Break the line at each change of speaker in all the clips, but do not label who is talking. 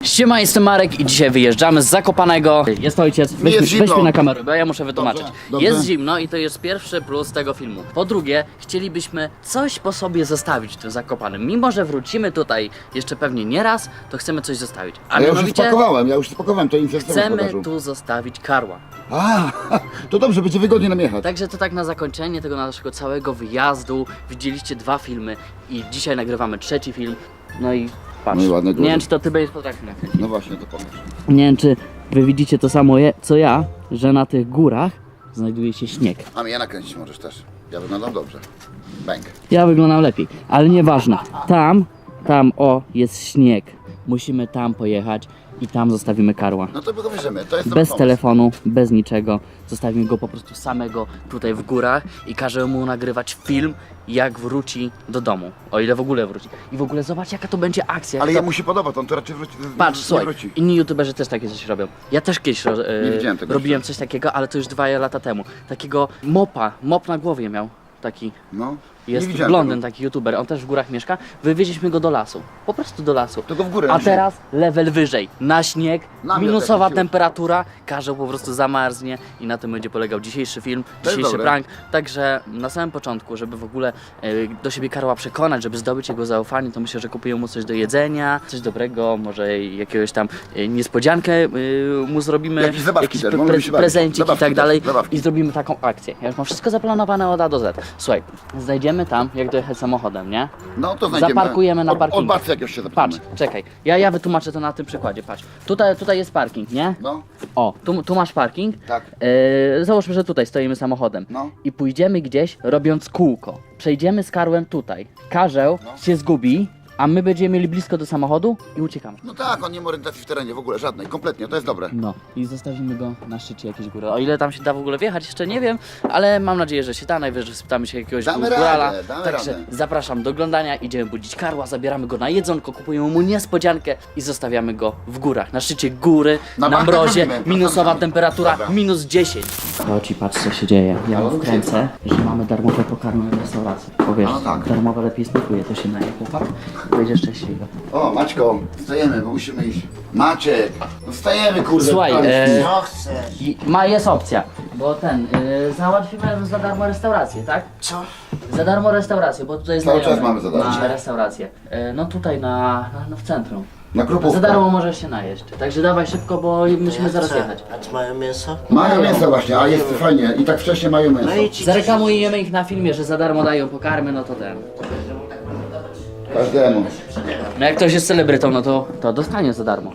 Siema, jestem Marek i dzisiaj wyjeżdżamy z Zakopanego. Jest ojciec, weź mnie na kamerę, bo ja muszę wytłumaczyć.
Dobrze.
Jest zimno i to jest pierwszy plus tego filmu. Po drugie, chcielibyśmy coś po sobie zostawić w tym Zakopanem. Mimo że wrócimy tutaj jeszcze pewnie nie raz, to chcemy coś zostawić. A
Ja już
mianowicie
spakowałem, to inicjatywę
chcemy tu zostawić karła.
A, to dobrze, będzie wygodnie nam jechać.
Także to tak na zakończenie tego naszego całego wyjazdu. Widzieliście 2 filmy i dzisiaj nagrywamy 3. film. No i patrz,
No i ładne góry.
nie wiem czy to ty będziesz potrafił nakręcić.
No właśnie, to pomyśl.
Nie wiem, czy wy widzicie to samo co ja, że na tych górach znajduje się śnieg.
A mnie nakręcić możesz też. Ja wyglądam dobrze. Bang.
Ja wyglądam lepiej, ale nieważne. Tam, jest śnieg. Musimy tam pojechać i tam zostawimy karła.
No to go bierzemy, to jest dobry
Bez
pomysł.
telefonu, bez niczego. Zostawimy go po prostu samego tutaj w górach i każemy mu nagrywać film, jak wróci do domu. O ile w ogóle wróci. I w ogóle zobacz, jaka to będzie akcja.
Ale
jak to...
jemu się podoba, to on to raczej wróci.
Patrz,
nie
słuchaj,
wróci.
inni youtuberzy też takie coś robią. Ja też kiedyś
Nie widziałem tego
robiłem
jeszcze.
coś takiego, ale to już 2 lata temu. Takiego mop na głowie miał. Taki.
No,
Jest
nie widziałem
blondyn,
tego.
taki youtuber, on też w górach mieszka. Wywieźliśmy go do lasu. Po prostu do lasu.
To go w górę
A
wzięli.
teraz level wyżej. Na śnieg,
Namiot
minusowa
jakiś już.
temperatura, karzeł po prostu zamarznie i na tym będzie polegał dzisiejszy film,
To jest
dzisiejszy
dobre.
prank. Także na samym początku, żeby w ogóle do siebie karła przekonać, żeby zdobyć jego zaufanie, to myślę, że kupuję mu coś do jedzenia, coś dobrego, może jakiegoś tam niespodziankę mu zrobimy,
Jakieś zabawki
jakiś
też, możemy się bawić.
prezencik i
Zabawki
tak
też,
dalej
zabawki.
i zrobimy taką akcję. Ja już mam wszystko zaplanowane od A do Z. Słuchaj, znajdziemy tam, jak dojechać samochodem, nie?
No to znajdziemy.
Zaparkujemy na
Od
parkingu.
Barcy jakiegoś się
Patrz,
zapytamy.
czekaj, ja wytłumaczę to na tym przykładzie, patrz. Tutaj jest parking, nie?
No,
O, tu masz parking.
tak.
Załóżmy, że tutaj stoimy samochodem.
No.
I pójdziemy gdzieś robiąc kółko. Przejdziemy z karłem tutaj. Karzeł się zgubi, a my będziemy mieli blisko do samochodu i uciekamy.
No tak, on nie ma orientacji w terenie w ogóle, żadnej, kompletnie, to jest dobre.
No i zostawimy go na szczycie jakiejś góry. O ile tam się da w ogóle wjechać, jeszcze nie wiem, ale mam nadzieję, że się da. Najwyżej spytamy się jakiegoś
Damy
górala.
radę, damy
Także
radę.
zapraszam do oglądania, idziemy budzić karła, zabieramy go na jedzonko, kupujemy mu niespodziankę i zostawiamy go w górach. Na szczycie góry,
Na
na
bank
mrozie,
robimy,
minusowa
wracamy.
temperatura,
Dobra.
minus 10. Chodź i patrz co się dzieje. Ja mu wkręcę, że mamy darmowe pokarmy w restauracji. Powiesz,
No tak.
darmowe lepiej smakuje, to się naje chłopak. Będzie szczęśliwy.
O, Maćko, wstajemy, bo musimy iść. Maciek, no wstajemy, kurde.
Słuchaj,
tam jest.
No chcesz.
jest opcja, bo załatwimy za darmo restaurację, tak?
Co?
Za darmo restaurację, bo tutaj
Cały
znajomy
czas mamy za darmo.
ma restaurację. No tutaj w centrum.
Na Krupówkę.
Za darmo możesz się najeść. Także dawaj szybko, bo musimy zaraz
Co?
jechać.
A czy mają mięso?
Mają mięso właśnie, a jest fajnie. I tak wcześniej mają mięso.
No i ci
Zareklamujemy ich na filmie, że za darmo dają pokarmy, no to ten.
Każdemu.
No jak ktoś jest celebrytą, no to dostanie za darmo.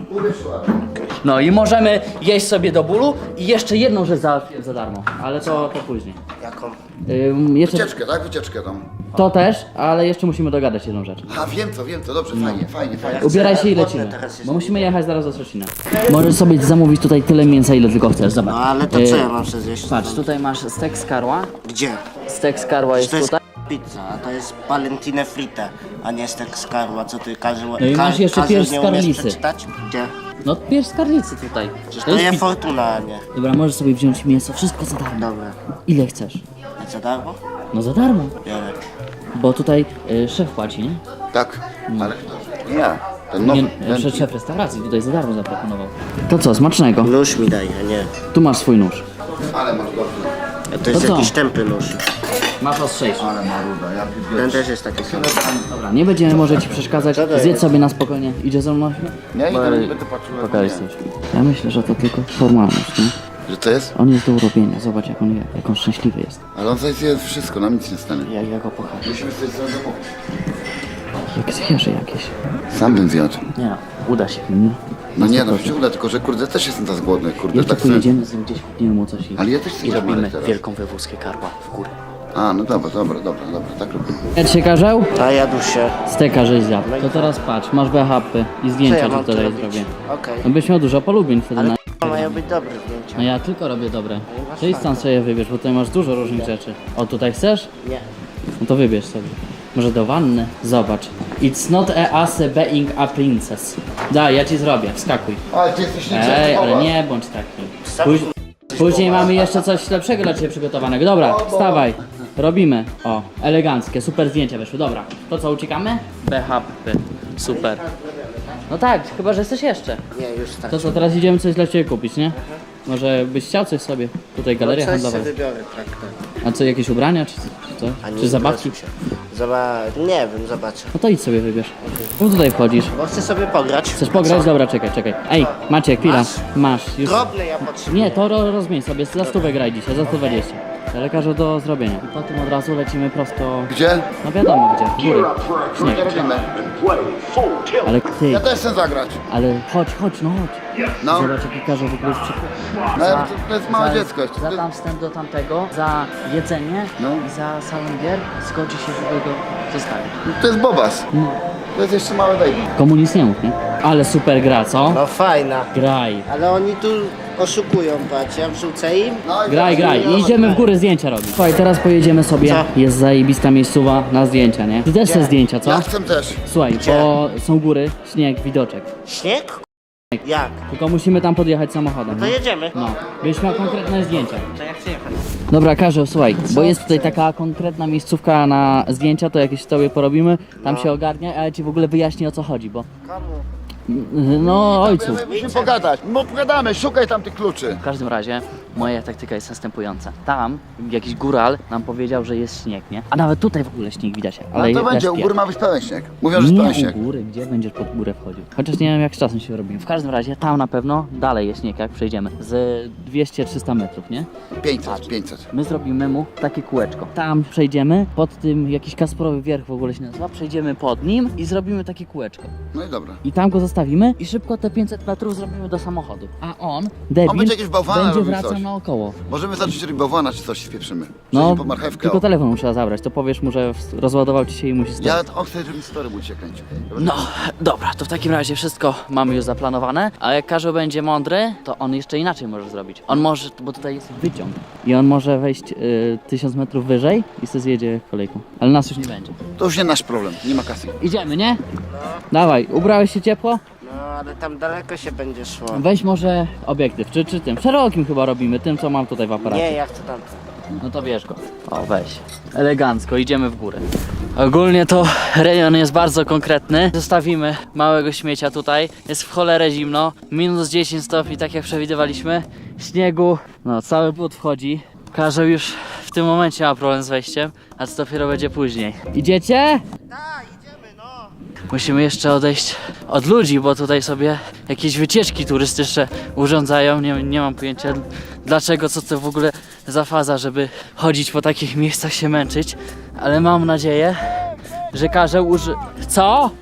No i możemy jeść sobie do bólu i jeszcze jedną rzecz załatwiłem za darmo, ale to później.
jaką?
Jeszcze
Wycieczkę, tak? Wycieczkę tam.
to też, ale jeszcze musimy dogadać jedną rzecz.
A wiem co, dobrze, fajnie, fajnie.
Ubieraj się i
Głodny
lecimy,
teraz jestem.
bo musimy jechać zaraz do Szczecina. Możesz sobie zamówić tutaj tyle mięsa, ile tylko chcesz, zobacz.
No ale to co ja mam sobie zjeść?
Patrz, tutaj masz stek z karła.
Gdzie?
Stek z karła jest
To jest
tutaj.
pizza, a to jest palentine frite, a nie stek z karła, co ty każe...
No i masz jeszcze pierś z
nie umiesz
karlicy.
przeczytać? Gdzie?
No pierś z karlicy tutaj.
Przecież
To
to
jest
je
pizza.
fortuna, a nie.
Dobra, możesz sobie wziąć mięso, wszystko za darmo.
Dobra.
Ile chcesz?
A co darmo?
No za darmo.
Biorę.
Bo tutaj szef płaci, nie?
Tak, ale nie ja. Ten nowy, ten...
Szef restauracji tutaj za darmo zaproponował. To co, smacznego.
Nóż mi daj, a nie.
Tu masz swój nóż.
Ale masz dobrze.
A to jest
co?
jakiś tępy nóż.
Masz ostrzejszy.
Ale maruda, ja
Ten też jest taki sam.
Dobra, nie będziemy może ci przeszkadzać. Zjedz sobie na spokojnie. Idzie ze mną?
Nie, nie,
Bo-
nie będę patrzył. jak
Pokaż
nie.
coś. Ja myślę, że to tylko formalność, nie?
Że to jest?
On jest do urobienia. Zobacz jak on je, jak on szczęśliwy jest.
Ale on sobie zje wszystko, nam nic nie stanie.
Ja go pocham.
Musimy sobie sobie zamówić.
Jak zwierzę jakieś.
Sam bym zjadł.
Nie, uda się. Nie?
No nie, no się uda, tylko że kurde też jestem tak głodny, kurde,
Jeszcze
tak chcę.
pojedziemy z nim gdzieś, kupimy mu coś
Ale ja też chcę
i robimy
Marek teraz.
wielką wywózkę karła w górę.
A, no dobra, tak robimy.
Jak się karzeł?
A jadł się.
Steka żeś zjadł. To teraz patrz, masz BHP i
Co
zdjęcia
ja
ci
mam tu
tutaj
robić?
zrobię.
Okej.
No byś miał dużo polubień wtedy na...
Mają być dobre zdjęcia.
No ja tylko robię dobre. To idź tam sobie wybierz, bo tutaj masz dużo różnych rzeczy. O, tutaj chcesz?
Nie.
No to wybierz sobie. Może do wanny? Zobacz. It's not a us being a princess. Daj, ja ci zrobię, wskakuj.
Ale ty jesteś
Ej, ale nie bądź taki. Później mamy jeszcze coś lepszego dla ciebie przygotowanego. Dobra, wstawaj. Robimy. O, eleganckie, super zdjęcia wyszły. Dobra, to co, uciekamy? BHP. Super. No tak, chyba że chcesz jeszcze.
Nie, już tak.
To co, teraz idziemy coś dla Ciebie kupić, nie? Może byś chciał coś sobie? Tutaj galeria
coś
handlowa.
sobie wybiorę, tak.
A co, jakieś ubrania czy co? Czy zabawki?
Nie wiem, zobaczę.
No to idź sobie wybierz. No tutaj wchodzisz.
Bo chcę sobie pograć.
Chcesz pograć? Dobra, czekaj. Ej, Maciek, chwila. Masz. Już.
Drobne ja potrzebuję.
Nie, to rozmień sobie. Za 100 graj dzisiaj, za 120. Ale każę do zrobienia. I potem od razu lecimy prosto...
Gdzie?
No wiadomo gdzie, w góry. Śnieg.
Nie robimy.
Ale ty,
Ja też chcę zagrać.
ale chodź, no chodź.
No,
Zobacz jaki Karzeł w ogóle jest przykład.
no to jest małe dziecko jeszcze.
Za tam wstęp do tamtego, za jedzenie
No.
i za salon gier zgodzi się, żeby go zostawić.
To jest Bobas. To jest jeszcze małe baby.
Komu nic nie mów, nie? Ale super gra, co?
No fajna.
Graj.
Ale oni tu oszukują, patrz, ja wrzucę im.
No i
Graj.
teraz-
I idziemy w górę zdjęcia robić. Słuchaj, teraz pojedziemy sobie.
Co?
Jest zajebista miejscowa na zdjęcia, nie? Ty też chcesz zdjęcia, co?
Ja chcę też.
Słuchaj,
Gdzie?
bo są góry, śnieg, widoczek.
Śnieg? Jak?
Tylko musimy tam podjechać samochodem.
To
nie?
jedziemy.
No, byś miał konkretne zdjęcia.
To ja chcę jechać.
Dobra, Karzeł, słuchaj, bo jest tutaj taka konkretna miejscówka na zdjęcia, to jakieś sobie porobimy, tam się ogarnia, ale ci w ogóle wyjaśnię o co chodzi, bo...
Komu?
No, ojcu.
Musimy pogadać. No pogadamy, szukaj tam tych kluczy.
W każdym razie moja taktyka jest następująca. Tam jakiś góral nam powiedział, że jest śnieg, nie? A nawet tutaj w ogóle śnieg widać,
No
ale
to będzie,
jest
u góry ma być pełen śnieg. Mówią, że jest
nie
pełen śnieg.
u góry, gdzie będziesz pod górę wchodził? Chociaż nie wiem jak z czasem się robimy. W każdym razie tam na pewno dalej jest śnieg, jak przejdziemy. Z 200-300 metrów, nie?
500.
My zrobimy mu takie kółeczko. Tam przejdziemy, pod tym jakiś Kasparowy Wierch w ogóle się nazywa, przejdziemy pod nim i zrobimy takie kółeczko.
No i dobra.
I tam go zostawimy i szybko te 500 metrów zrobimy do samochodu. A on, debil,
On będzie jakieś bałwana
będzie
robił
wracał
coś.
naokoło.
Możemy zacząć robić bałwana, czy coś spieprzymy.
No,
Przejdźmy po marchewkę.
tylko
O.
telefon musiała zabrać, to powiesz mu, że rozładował ci się i musi stać.
Ja on chce, żeby storyboard się kręcił.
No, dobra, to w takim razie wszystko mamy już zaplanowane, a jak Karzeł będzie mądry, to on jeszcze inaczej może zrobić. On może, bo tutaj jest wyciąg i on może wejść 1000 metrów wyżej i sobie zjedzie kolejką, ale nas już nie będzie.
To już nie nasz problem, nie ma kasy.
Idziemy, nie? Dawaj, ubrałeś się ciepło?
No, ale tam daleko się będzie szło.
Weź może obiektyw, czy tym, szerokim chyba robimy, tym co mam tutaj w aparacie.
Nie, ja chcę tam.
No to bierz go. O, weź. Elegancko, idziemy w górę. Ogólnie to rejon jest bardzo konkretny. Zostawimy małego śmiecia tutaj. Jest w cholerę zimno. Minus 10 stopni, tak jak przewidywaliśmy. Śniegu. No, cały but wchodzi. Karzeł już w tym momencie ma problem z wejściem, a co dopiero będzie później. Idziecie?
Tak, idziemy, no.
Musimy jeszcze odejść od ludzi, bo tutaj sobie jakieś wycieczki turystyczne urządzają. Nie mam pojęcia dlaczego, co to w ogóle za faza, żeby chodzić po takich miejscach, się męczyć. Ale mam nadzieję, że Karzeł Co?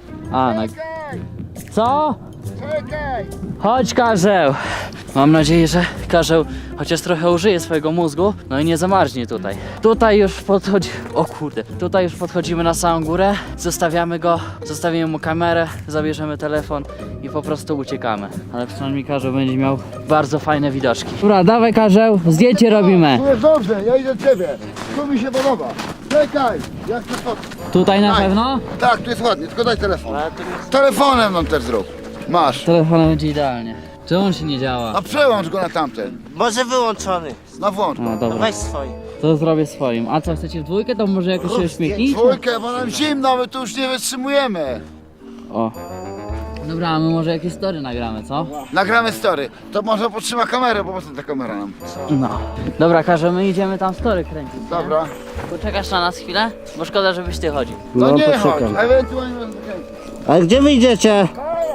Co? Chodź, Karzeł! Mam nadzieję, że Karzeł chociaż trochę użyje swojego mózgu, no i nie zamarznie tutaj. Tutaj już podchodzi... O kurde. Tutaj już podchodzimy na samą górę, zostawiamy go, zostawimy mu kamerę, zabierzemy telefon i po prostu uciekamy. Ale przynajmniej Karzeł będzie miał bardzo fajne widoczki. Dobra, dawaj Karzeł, zdjęcie robimy.
Tu jest dobrze, ja idę do ciebie. Tu mi się podoba. Czekaj, ja chcę fotkę.
Tutaj na
Daj.
pewno?
Tak, tu jest ładnie, tylko daj telefon.
Ale to nie...
Telefonem nam też zrób. Masz.
Telefonem będzie idealnie. Czy on się nie działa?
A przełącz go na tamten.
Może wyłączony.
Na włącz.
No
No
dobra,
weź swój.
to zrobię swoim. A co, chcecie w dwójkę? To może jakoś się uśmiechnij?
Dwójkę, bo nam zimno, my tu już nie wytrzymujemy.
O. Dobra, a my może jakieś story nagramy, co?
Nagramy story. To może potrzyma kamerę, bo po co ta kamera nam?
No. Dobra, Karze, my idziemy tam story kręcić. nie?
Dobra.
Poczekasz na nas chwilę? Bo szkoda, żebyś ty chodził.
No nie chodź, ewentualnie będę kręcić.
A gdzie wyjdziecie?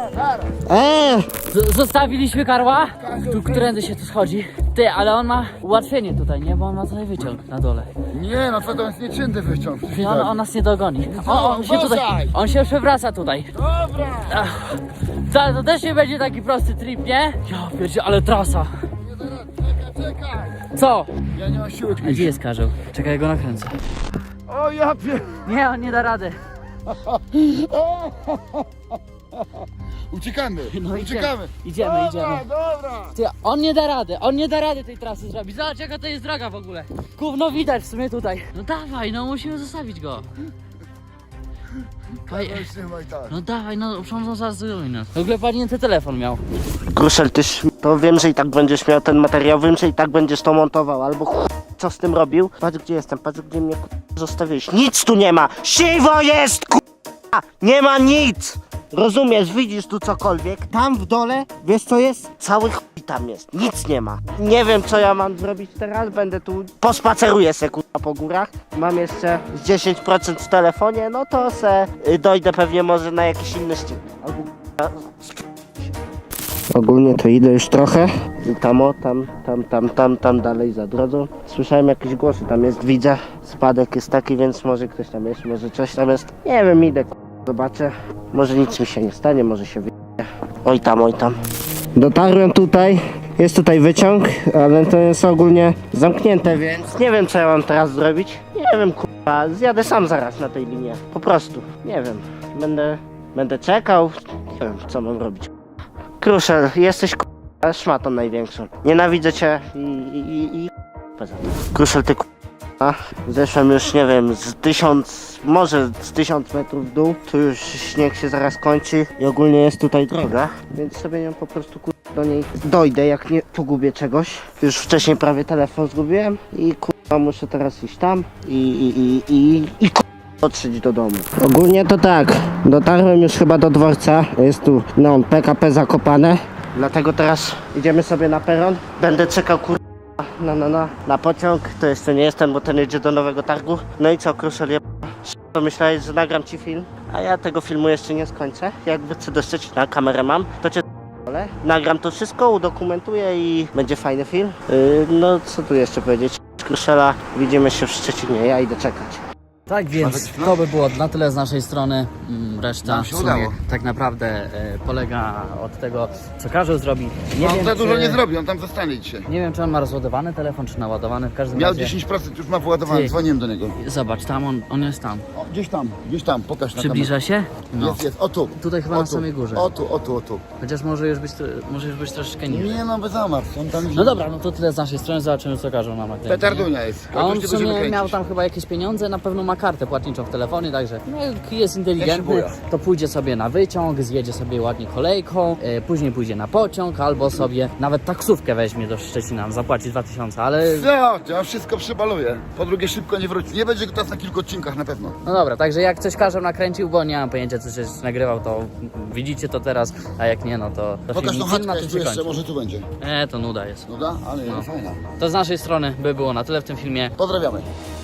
Zostawiliśmy Karła? Tu którędy się tu schodzi? Ty, ale on ma ułatwienie tutaj, nie? Bo on ma tutaj wyciąg na dole.
Nie, no to jest nieczynny wyciąg.
I on nas nie dogoni. On się tutaj, on się przewraca tutaj. Dobra. To też nie będzie taki prosty trip, nie? Ja pierdzie, ale trasa.
Czekaj,
Co?
ja nie mam siły.
A gdzie jest Karzeł? Czekaj, ja go nakręcę.
O ja pier...
Nie, on nie da rady.
Uciekamy,
No
uciekamy.
Idziemy.
Dobra.
Ty, on nie da rady tej trasy zrobić. Zobacz jaka to jest droga w ogóle. Gówno widać w sumie tutaj. No dawaj, no musimy zostawić go.
Trzymaj tak.
No dawaj, no przecież zaraz nas. W ogóle padnięty telefon miał.
Gruszel, to wiem, że i tak będziesz miał ten materiał, wiem, że i tak będziesz to montował, albo co z tym robił? Patrz gdzie jestem, patrz gdzie mnie zostawiłeś. Nic tu nie ma! Siwo jest! Nie ma nic! Rozumiesz, widzisz tu cokolwiek? Tam w dole, wiesz co jest? Cały chuj tam jest, nic nie ma. Nie wiem co ja mam zrobić teraz, będę tu, pospaceruję se kurwa po górach. Mam jeszcze z 10% w telefonie, no to se dojdę pewnie może na jakiś inny ścig. Ogólnie to idę już trochę i tam dalej za drogą. Słyszałem jakieś głosy, tam jest, widzę, spadek jest taki, więc może ktoś tam jest, może coś tam jest. Nie wiem, idę, zobaczę, może nic mi się nie stanie, może się wyjdzie. Oj tam. Dotarłem tutaj, jest tutaj wyciąg, ale to jest ogólnie zamknięte, więc nie wiem co ja mam teraz zrobić. Nie wiem, kurwa, zjadę sam zaraz na tej linie, po prostu, nie wiem, będę czekał, nie wiem co mam robić. Kruszel, jesteś k***a szmatą największą. Nienawidzę cię i poza tym. Kruszel, ty k***a. Zeszłem już, nie wiem, może z 1000 metrów w dół. Tu już śnieg się zaraz kończy i ogólnie jest tutaj droga, więc sobie ją po prostu do niej dojdę, jak nie pogubię czegoś. Już wcześniej prawie telefon zgubiłem i muszę teraz iść tam i dotrzeć do domu. Ogólnie to tak, dotarłem już chyba do dworca, jest tu PKP Zakopane, dlatego teraz idziemy sobie na peron, będę czekał na pociąg, to jeszcze nie jestem, bo ten jedzie do Nowego Targu. No i co, Kruszel, to myślałeś, że nagram ci film, a ja tego filmu jeszcze nie skończę, jak wrócę do Szczecina, kamerę mam, to cię nagram to wszystko, udokumentuję i będzie fajny film. No co tu jeszcze powiedzieć, Kruszela, widzimy się w Szczecinie, ja idę czekać.
Tak więc to by było na tyle z naszej strony. Reszta
Nam się
w sumie
udało.
tak naprawdę polega od tego, co Karzeł zrobi. Nie
On
wiem,
za dużo
czy-
nie zrobi, on tam zostanie dzisiaj.
Nie wiem, czy on ma rozładowany telefon, czy naładowany. W każdym
Miał
razie
10%, już ma wyładowany,
Ty.
dzwoniłem do niego.
Zobacz, tam on jest tam.
O, gdzieś tam, pokaż na
Przybliża się?
kamerę. Jest, o tu.
Tutaj chyba
O
na
tu.
samej górze.
O tu.
Chociaż może już być troszeczkę niżej.
Nie no, bez zamarz, on tam...
No dobra, no to tyle z naszej strony, zobaczymy co Karzeł nam nakręci.
Petardunia jest.
A on
Otóż
w
tego, żeby
sumie miał
kręcić.
tam chyba jakieś pieniądze, na pewno ma kartę płatniczą w telefonie, także no, jak jest
Ja
inteligentny,
się boję.
to pójdzie sobie na wyciąg, zjedzie sobie ładnie kolejką, później pójdzie na pociąg, albo sobie nawet taksówkę weźmie do Szczecina, zapłaci 2000, ale
Co? Ja wszystko przebaluję. Po drugie szybko nie wróci. Nie będzie go teraz na kilku odcinkach na pewno.
no dobra, także jak coś Karzeł nakręcił, bo nie mam pojęcia co się nagrywał, to widzicie to teraz, a jak nie, no to
Pokaż
film
tą
na
chatkę,
tym
tu
się
jeszcze,
kończy.
może tu będzie.
To nuda jest.
No da? Ale
No.
fajna.
To z naszej strony by było na tyle w tym filmie.
Pozdrawiamy.